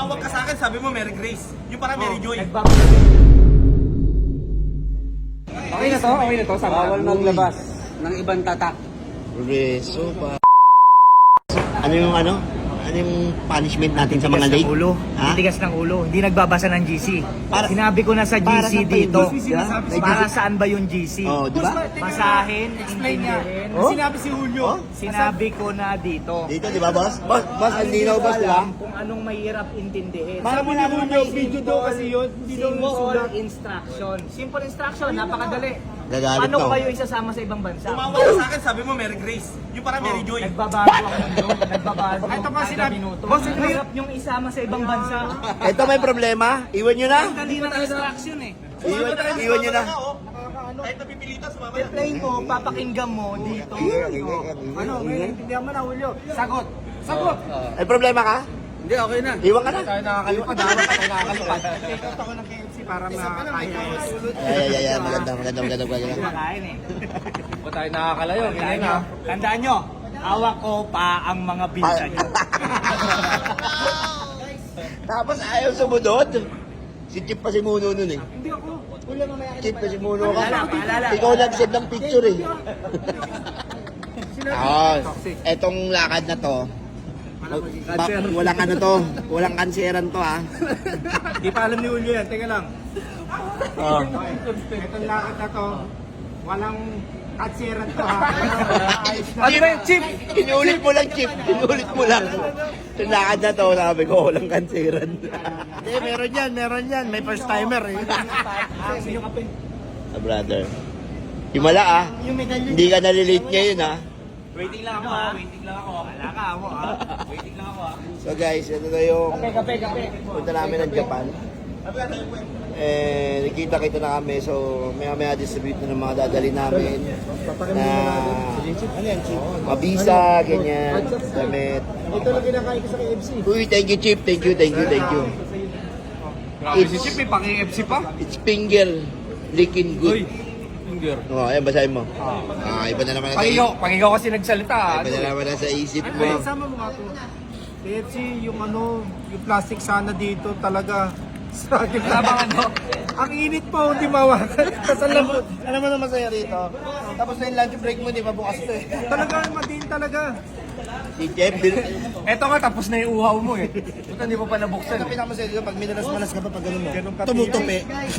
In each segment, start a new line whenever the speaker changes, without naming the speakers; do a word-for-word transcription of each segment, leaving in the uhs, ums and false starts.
Tumawag ka sa akin, sabi mo Mary Grace. Yung parang Mary Joy.
Okay na to, okay na to. Bawal maglabas ng ibang tatak.
Reso pa. Ano yung ano? Ano yung punishment natin sa mga late?
ulo.
Ha?
Titigas ng ulo. Hindi nagbabasa ng G C.
Para-
Sinabi ko na sa G
para
C
saan pa
dito.
yung G C? May
Para
G C?
saan ba yung G C?
Oh, di ba?
Basahin,
Explain niya.
intindihin.
Oh?
Sinabi si Julio.
Sinabi ko na dito.
Dito, di ba, boss? Boss, boss, ang linaw, boss, di ba?
Alam kung anong mahirap intindihin.
Para
Sabi
mo
ni
naman
Julio,
may
video daw kasi yun. Hindi daw
Simple
sulat.
instruction. Simple instruction, napakadali.
Gagalit
Paano
ka.
ko kayo isasama sa ibang bansa?
Tumawag ka sa akin, sabi mo Mary Grace. Yung parang Mary Joy.
Nagbabago ang mundo. Nagbabago.
Ito pa
kada
sinabi-
minuto.
Boss, ito-
Mahirap yung isama sa ibang bansa.
Ito may problema. Iwan nyo na.
Dali ng instruction eh.
Iwan, iwan nyo na.
Kahit napipilitan, sumama na.
I-play mo, papakinggan mo dito.
Ano, ngayon, intindihan mo na, Julio. Sagot. Sagot.
May problema ka?
Hindi, okay na.
Iwan ka na.
Tayo nakakalipad. Dapat pa tayo nakakalipad. Take out ako ng K F C para makakaya.
Ay, ay, ay, ay. Maganda, maganda, maganda, maganda.
Kumakain eh.
Ba tayo nakakalayo?
Tandaan nyo, tandaan nyo, hawak ko pa ang mga binsa nyo.
Tapos ayaw sumunod. Si Chip pa si Muno nun eh.
Hindi ako. Wala mamaya.
Chip pa si Muno ka.
Paalala, paalala.
Ikaw nag-send ng picture eh. Ah, etong lakad na to. Ba, walang ano to, walang kanseran to ha.
Di pa alam ni Julio yan. Teka lang.
Oh.
Itong lakad na to, walang katsiran to ha. Ayos na.
Chip, Chip, inulit mo lang Chip, inulit mo lang. Yung lakad na to, sabi ko, walang kanseran. Hindi, meron yan, meron yan. May first timer eh. Ah, brother. Himala ah. Hindi ka nalilate ngayon ah.
Waiting lang ako ha, waiting lang ako. Wala ka ako ha, waiting lang ako ha.
So guys, ito na yung
Kape, kape, kape.
punta namin ng Japan. Eh, nakita-kita na kami. So, maya-maya distribute na ng mga dadali namin. Na, ano yan, Chip? Mga visa, ganyan, damit.
Ito lang kinakain ko sa K F C.
Uy, thank you, Chip. Thank you, thank you, thank you.
Grabe si Chip, may pang-K F C pa.
It's finger licking
Uy,
good.
finger.
Oh, ayan, basahin mo. Ah, iba na naman na sa
Pangigaw,
isip.
pangigaw kasi nagsalita.
Iba na naman na sa isip mo.
Ay, sama mo nga to. K F C, yung ano, yung plastic sana dito talaga. Sa akin
Tama ano?
Ang init po, hindi mawakan. Tapos alam mo,
Alam mo na masaya rito. Tapos na yung lunch break mo, di ba bukas to eh.
talaga matin talaga.
Si Jeff, bil-
Eto nga, tapos na yung uhaw mo eh. Buta hindi mo pa nabuksan.
Ito pinakamasaya dito, pag minalas-malas ka pa pag ganun mo.
Ganun ka-
Tumutupi.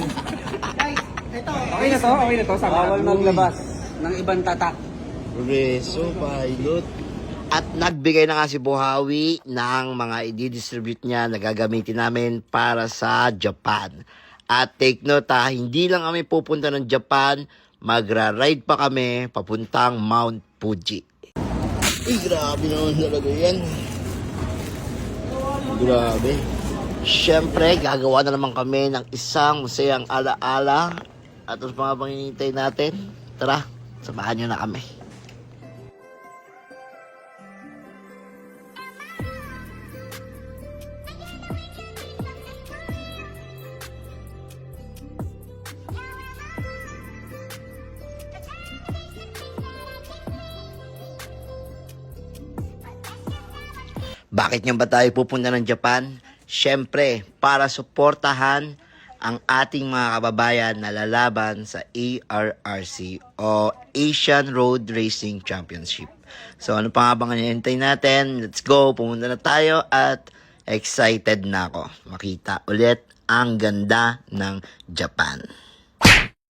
Okay na to, okay na to. Bawal maglabas ng ibang tatak.
Reso, pilot. At nagbigay na nga si Buhawi ng mga i-distribute niya na gagamitin namin para sa Japan. At take note ha, hindi lang kami pupunta ng Japan, magra-ride pa kami papuntang Mount Fuji. Uy, grabe naman talaga yan. Grabe. Siyempre, gagawa na naman kami ng isang masayang alaala. At ang mga panginintay natin, tara, samahan nyo na kami. Bakit nga ba tayo pupunta ng Japan? Siyempre, para suportahan ang ating mga kababayan na lalaban sa A R R C o Asian Road Racing Championship. So ano pa nga bang hinihintay natin? Let's go, pumunta na tayo at excited na ako makita ulit ang ganda ng Japan.